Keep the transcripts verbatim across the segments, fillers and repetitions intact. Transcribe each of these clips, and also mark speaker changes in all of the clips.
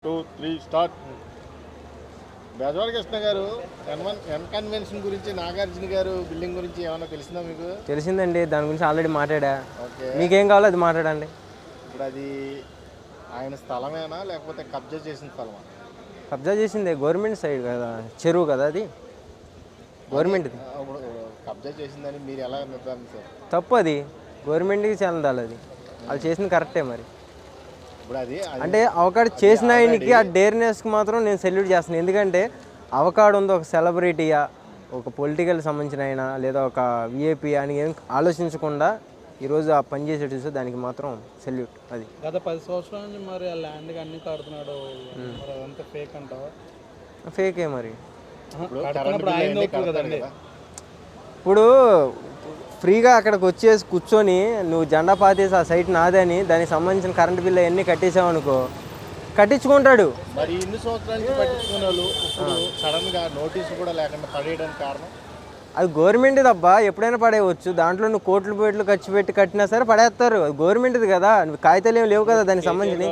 Speaker 1: Two three start. Bezawada Krishna గారు N one N convention గురించి నాగార్జున గారు బిల్డింగ్ గురించి ఏమైనా తెలిసిందా మీకు?
Speaker 2: తెలిసిందండి, దాని గురించి ఆల్రెడీ మాట్లాడా.
Speaker 1: ఓకే,
Speaker 2: మీకేం కావాలో అది మాట్లాడండి.
Speaker 1: ఇప్పుడు అది ఆయన స్థలమేనా లేకపోతే కబ్జా చేసిన స్థలమా?
Speaker 2: కబ్జా చేసిందే, గవర్నమెంట్ సైడ్ కదా, చెరువు కదా అది, గవర్నమెంట్.
Speaker 1: ఇప్పుడు కబ్జా చేసిందని మీరు ఎలా నిర్ధారించారు?
Speaker 2: తప్పు, అది గవర్నమెంట్కి చెందాలి, అది వాళ్ళు చేసింది కరెక్టే. మరి
Speaker 1: ఇప్పుడు అది
Speaker 2: అంటే అవకాడు చేసిన ఆయనకి ఆ డేర్నెస్కి మాత్రం నేను సెల్యూట్ చేస్తాను. ఎందుకంటే అవకాడు ఉంది ఒక సెలబ్రిటీయా, ఒక పొలిటికల్ సంబంధించిన ఆయన, లేదా ఒక విఐపి అని ఏం ఆలోచించకుండా ఈరోజు ఆ పని చేసేటి చూస్తే దానికి మాత్రం సెల్యూట్. అది
Speaker 3: గత పది సంవత్సరాల నుంచి మరి ఆ ల్యాండ్కి అన్ని కడుతున్నాడు, మరి అదంతా ఫేక్ అంటావా?
Speaker 2: ఫేకే మరి.
Speaker 3: కడుతున్నప్పుడు ఆయన అవుతుంది కదండి.
Speaker 2: ఇప్పుడు ఫ్రీగా అక్కడికి వచ్చేసి కూర్చొని నువ్వు జెండా పాతేసి ఆ సైట్ నాదని దానికి సంబంధించిన కరెంట్ బిల్లు అవన్నీ కట్టేసావనుకో, కట్టించుకుంటాడు.
Speaker 1: మరి ఇన్ని సంవత్సరాల నుంచి పట్టించుకునే వాళ్ళు ఇప్పుడు సడన్ గా నోటీసు కూడా లేకుండా పడేయడానికి కారణం?
Speaker 2: అది గవర్నమెంట్ది అబ్బా, ఎప్పుడైనా పడేయవచ్చు. దాంట్లో నువ్వు కోట్లు పేట్లు ఖర్చు పెట్టి కట్టినా సరే పడేస్తారు. అది గవర్నమెంట్ది కదా, నువ్వు కాగితాలు ఏమి లేవు కదా దానికి సంబంధించి.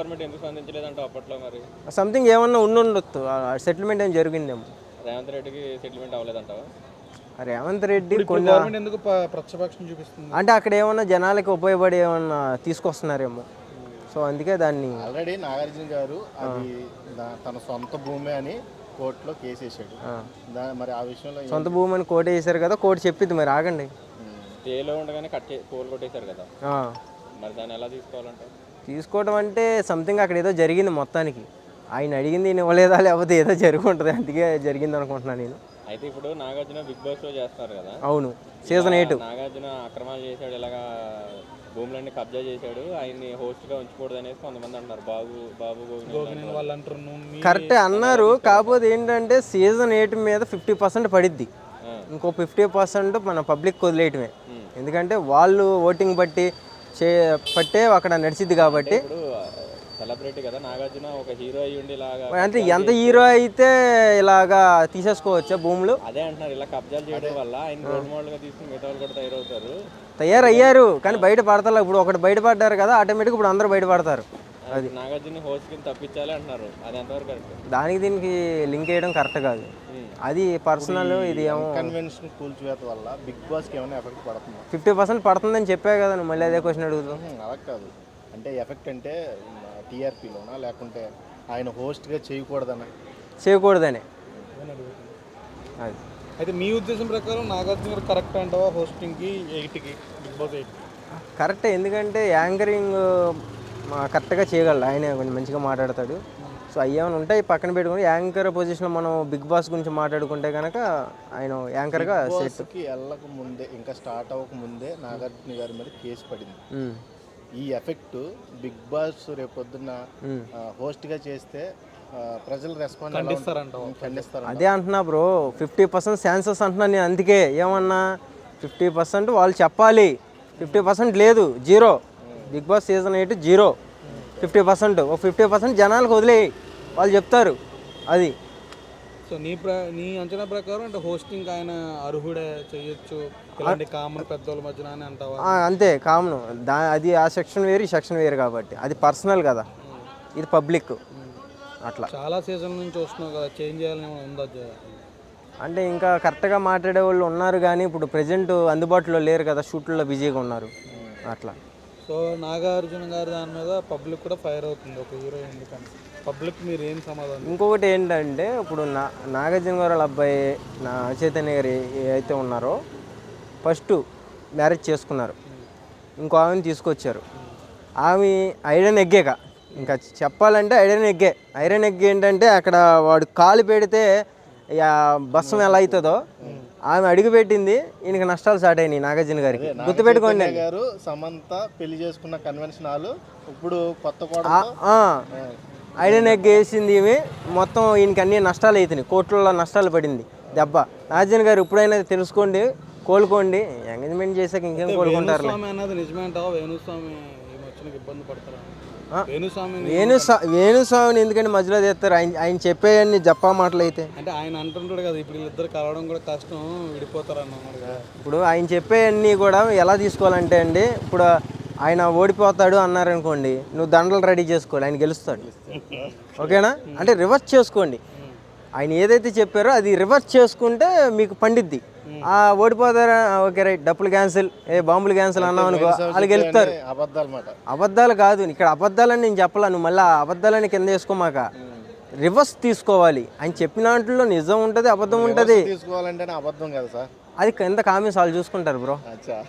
Speaker 2: సంథింగ్ ఏమన్నా ఉండి ఉండొచ్చు, సెటిల్మెంట్ ఏం జరిగిందేమో.
Speaker 4: రేవంత్ రెడ్డికి సెటిల్మెంట్ అవ్వలేదంటావా?
Speaker 2: రేవంత్ రెడ్డి కొన్ని
Speaker 3: గవర్నమెంట్ ఎందుకు ప్రతిపక్షం చూపిస్తుంది
Speaker 2: అంటే అక్కడ ఏమన్నా జనాలకి ఉపయోగపడి ఏమన్నా తీసుకొస్తున్నారేమో, సో అందుకే దాన్ని.
Speaker 1: ఆల్రెడీ నాగార్జున గారు అది తన సొంత భూమి అని కోర్టులో కేసు వేసాడు. మరి ఆ విషయంలో
Speaker 2: సొంత భూమి అని కోర్టు వేసారు కదా, కోర్టు చెప్పింది. మరి ఆగండి,
Speaker 4: స్టేలో ఉండగానే కట్ కోల్ కొట్టేశారు కదా, మరి దాన్ని ఎలా తీసుకోవాలంటే?
Speaker 2: తీసుకోవడం అంటే సంథింగ్ అక్కడ ఏదో జరిగింది మొత్తానికి. ఆయన అడిగింది నేను ఇవ్వలేదా, లేకపోతే ఏదో జరిగి ఉంటుంది, అందుకే జరిగింది అనుకుంటున్నాను నేను.
Speaker 4: అయితే ఇప్పుడు నాగార్జున బిగ్ బాస్ లో చేస్తున్నారు కదా.
Speaker 2: అవును, సీజన్ ఎయిట్.
Speaker 4: నాగార్జున అక్రమాలు చేశాడు, ఇలాగా భూములన్నీ కబ్జా చేశాడు, ఆయన్ని హోస్ట్ గా ఉంచకూడదు అనేసి కొంతమంది అంటున్నారు. బాబు బాబు
Speaker 3: వాళ్ళు అంటారు.
Speaker 2: కరెక్టే అన్నారు, కాకపోతే ఏంటంటే సీజన్ ఎయిట్ మీద ఫిఫ్టీ పర్సెంట్ పడిద్ది, ఇంకో ఫిఫ్టీ పర్సెంట్ మన పబ్లిక్ వదిలేయటమే. ఎందుకంటే వాళ్ళు ఓటింగ్ బట్టి చే పట్టే అక్కడ నడిచిద్ది కాబట్టి.
Speaker 4: సెలబ్రిటీ కదా నాగార్జున, ఒక హీరో అయ్యి ఉండి ఇలాగా
Speaker 2: అంటే ఎంత హీరో అయితే ఇలాగా తీసేసుకోవచ్చా భూములు?
Speaker 4: అదే అంటున్నారు, ఇలా కబ్జాలు చేయడం వల్ల ఆయన రోల్ మోడల్ గా తీసుకుని మిగతా వాళ్ళు కూడా తయారవుతారు.
Speaker 2: తయారయ్యారు కానీ బయట పడతారు. ఇప్పుడు ఒకటి బయటపడ్డారు కదా, ఆటోమేటిక్ ఇప్పుడు అందరూ బయటపడతారు. అది
Speaker 4: నాగార్జున హోస్ట్ కింద తప్పించాలి అంటున్నారు, అది ఎంతవరకు కరెక్ట్?
Speaker 2: దానికి దీనికి లింక్ చేయడం కరెక్ట్ కాదు, అది పర్సనల్. ఇది ఏమో
Speaker 1: కన్వెన్షన్ కూల్చివేత వల్ల బిగ్ బాస్కి ఏమైనా ఎఫెక్ట్ పడుతుంది?
Speaker 2: ఫిఫ్టీ పర్సెంట్ పడుతుందని చెప్పా కదా, నువ్వు మళ్ళీ అదే క్వశ్చన్ అడుగుతావు.
Speaker 1: అలా కాదు, అంటే ఎఫెక్ట్ అంటే టీఆర్పీలోనా లేకుంటే ఆయన హోస్ట్గా చేయకూడదనా?
Speaker 2: చేయకూడదని. అది
Speaker 3: అయితే మీ ఉద్దేశం ప్రకారం నాగార్జున గారు కరెక్ట్ అంటావా హోస్టింగ్కి, ఎయిట్కి, బిగ్ బాస్ ఎయిట్?
Speaker 2: కరెక్టే, ఎందుకంటే యాంకరింగ్ కరెక్ట్గా చేయగలడు ఆయన, కొంచెం మంచిగా మాట్లాడతాడు. సో అవి ఏమైనా ఉంటాయి పక్కన పెట్టుకుని యాంకర్ పొజిషన్లో మనం బిగ్ బాస్ గురించి మాట్లాడుకుంటే కనుక ఆయన యాంకర్గా
Speaker 1: సెట్కి వెళ్ళక ముందే, ఇంకా స్టార్ట్ అవ్వక ముందే నాగార్జున గారి మీద కేసు పడింది. ఈ ఎఫెక్ట్ బిగ్ బాస్ రేపొద్దున హోస్ట్గా చేస్తే ప్రజలు రెస్పాండ్ ఖండిస్తారు.
Speaker 2: అదే అంటున్నా బ్రో, ఫిఫ్టీ పర్సెంట్ ఛాన్సెస్ అంటున్నా నేను. అందుకే ఏమన్నా ఫిఫ్టీ పర్సెంట్ వాళ్ళు చెప్పాలి, ఫిఫ్టీ పర్సెంట్ లేదు, zero. Bigg Boss season eight zero, fifty percent ఒక ఫిఫ్టీ పర్సెంట్ జనాలకు వదిలేయి, వాళ్ళు చెప్తారు. అది
Speaker 3: సో నీ ప్ర నీ అంచనా ప్రకారం అంటే హోస్టింగ్ ఆయన అర్హుడే, చేయొచ్చు, ఇలాంటి కామన్ పెద్దోళ్ళ మధ్యన అని అంటావా?
Speaker 2: అంతే, కామన్. దా అది ఆ సెక్షన్ వేరు, ఈ సెక్షన్ వేరు కాబట్టి అది పర్సనల్ కదా, ఇది పబ్లిక్. అట్లా
Speaker 3: చాలా సీజన్ నుంచి వస్తున్నావు కదా, చేంజ్ చేయాలని ఉందా?
Speaker 2: అంటే ఇంకా కరెక్ట్గా మాట్లాడే వాళ్ళు ఉన్నారు కానీ ఇప్పుడు ప్రజెంట్ అందుబాటులో లేరు కదా, షూట్లలో బిజీగా ఉన్నారు అట్లా.
Speaker 3: సో నాగార్జున గారు దాని మీద పబ్లిక్ కూడా ఫైర్ అవుతుంది, ఒక హీరో ఎందుకని. పబ్లిక్ మీరు ఏం సమాధానం?
Speaker 2: ఇంకొకటి ఏంటంటే ఇప్పుడు నా నాగార్జున గారు వాళ్ళ అబ్బాయి నా చైతన్య గారు అయితే ఉన్నారో ఫస్ట్ మ్యారేజ్ చేసుకున్నారు, ఇంకో ఆమెను తీసుకొచ్చారు. ఆమె ఐరన్ ఎగ్గేక, ఇంకా చెప్పాలంటే ఐరన్ ఎగ్గే. ఐరన్ ఎగ్ ఏంటంటే అక్కడ వాడు కాలు పెడితే బస్సం ఎలా అవుతుందో ఆమె అడుగు పెట్టింది, ఈయనకి నష్టాలు స్టార్ట్ అయినాయి నాగార్జున గారికి. గుర్తుపెట్టుకోండి
Speaker 1: గారు సమంత పెళ్లి చేసుకున్న కన్వెన్షన్ హాల్ ఇప్పుడు కొత్త
Speaker 2: ఐరన్ ఎగ్ వేసింది ఇవి, మొత్తం ఈయనకి అన్ని నష్టాలు అవుతున్నాయి, కోట్లలో నష్టాలు పడింది దెబ్బ. నాగార్జున గారు ఇప్పుడైనా తెలుసుకోండి, కోలుకోండి. ఎంగేజ్మెంట్ చేశాక ఇంకేం కోలుకుంటారు?
Speaker 3: వేణుస్వామి ఇబ్బంది పడతారా?
Speaker 2: వేణుస్వామిని ఎందుకంటే మధ్యలో తెస్తారు, ఆయన ఆయన చెప్పేయన్ని జప్పా మాటలు అయితే.
Speaker 3: అంటే ఆయన అంటుంటాడు కదా, ఇప్పుడు వీళ్ళిద్దరు కలవడం కూడా కష్టం, విడిపోతారు అన్నారు కదా.
Speaker 2: ఇప్పుడు ఆయన చెప్పేయన్నీ కూడా ఎలా తీసుకోవాలంటే అండి, ఇప్పుడు ఆయన ఓడిపోతాడు అన్నారనుకోండి, నువ్వు దండలు రెడీ చేసుకోవాలి, ఆయన గెలుస్తాడు. ఓకేనా? అంటే రివర్స్ చేసుకోండి. ఆయన ఏదైతే చెప్పారో అది రివర్స్ చేసుకుంటే మీకు పండిద్ది. ఆ ఓడిపోతారా, ఓకే రైట్, డప్పులు క్యాన్సిల్, ఏ బాంబులు క్యాన్సిల్ అన్నావు అనుకో, వాళ్ళు గెలుస్తారు.
Speaker 1: అబద్ధాలు మాట.
Speaker 2: అబద్ధాలు కాదు, ఇక్కడ అబద్ధాలని నేను చెప్పలా, నువ్వు మళ్ళీ అబద్ధాలని కింద వేసుకోమాక. రివర్స్ తీసుకోవాలి. ఆయన చెప్పిన దాంట్లో నిజం ఉంటుంది, అబద్ధం ఉంటుంది.
Speaker 1: తీసుకోవాలంటే అబద్ధం కదా సార్,
Speaker 2: అది కింద కామెంట్స్ వాళ్ళు చూసుకుంటారు బ్రో.
Speaker 1: అచ్చా